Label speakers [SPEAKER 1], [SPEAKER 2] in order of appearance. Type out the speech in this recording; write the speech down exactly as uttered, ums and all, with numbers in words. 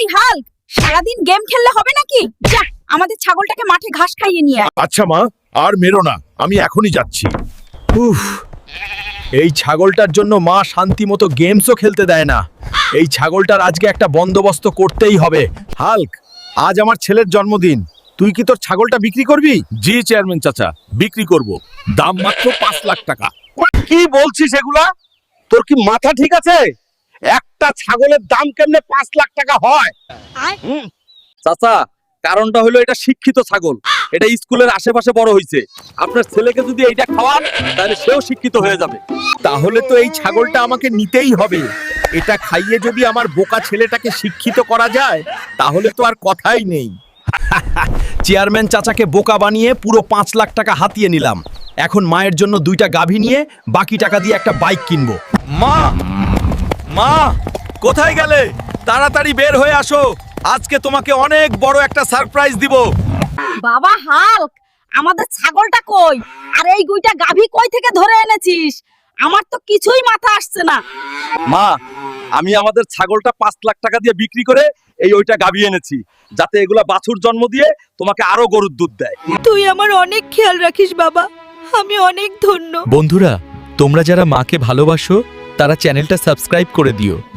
[SPEAKER 1] Hulk, সারাদিন game খেললে হবে নাকি? যা আমাদের ছাগলটাকে মাঠে ঘাস খাইয়ে নিয়ে আয়।
[SPEAKER 2] আচ্ছা মা, আর মেরো না, আমি এখনই যাচ্ছি।
[SPEAKER 3] উফ, এই ছাগলটার জন্য মা শান্তি মতো গেমসও খেলতে দেয় না। এই ছাগলটার আজকে একটা বন্দোবস্ত করতেই হবে। হাল্ক, আজ আমার ছেলের জন্মদিন, তুই কি তোর ছাগলটা বিক্রি করবি?
[SPEAKER 2] জি চেয়ারম্যান চাচা, বিক্রি করব, দাম মাত্র পাঁচ লাখ টাকা।
[SPEAKER 3] কি বলছিস এগুলা? তোর কি মাথা ঠিক আছে? একটা ছাগলের দাম কেমনে পাঁচ লাখ টাকা হয়? হুম, চাচা, কারণটা হলো এটা শিক্ষিত ছাগল, এটা স্কুলের আশেপাশে বড় হয়েছে। আপনার ছেলেকে যদি এইটা খাওয়ান তাহলে সেও শিক্ষিত হয়ে যাবে।
[SPEAKER 2] তাহলে তো এই ছাগলটা আমাকে নিতেই হবে। এটা খাইয়ে যদি আমার বোকা ছেলেটাকে শিক্ষিত করা যায়, তাহলে তো আর কথাই নেই।
[SPEAKER 3] চেয়ারম্যান চাচাকে বোকা বানিয়ে পুরো পাঁচ লাখ টাকা হাতিয়ে নিলাম। এখন মায়ের জন্য দুইটা গাভী নিয়ে বাকি টাকা দিয়ে একটা বাইক কিনবো। মা, মা, কোথায় গেলে? তাড়াতাড়ি বের হয়ে আসো, আজকে তোমাকে অনেক বড় একটা সারপ্রাইজ দিব।
[SPEAKER 1] বাবা হাল্ক, আমাদের ছাগলটা কই? আর এই গুইটা গাভী কই থেকে ধরে এনেছিস? আমার তো কিছুই মাথা আসছে না।
[SPEAKER 3] মা, আমি আমাদের ছাগলটা পাঁচ লাখ টাকা দিয়ে বিক্রি করে এই ওইটা গাভী এনেছি, যাতে এগুলা বাছুর জন্ম দিয়ে তোমাকে আরো গরুর দুধ দেয়।
[SPEAKER 1] তুই আমার অনেক খেয়াল রাখিস বাবা, আমি অনেক ধন্য।
[SPEAKER 4] বন্ধুরা, তোমরা যারা মাকে ভালোবাসো তারা চ্যানেলটা সাবস্ক্রাইব করে দিও।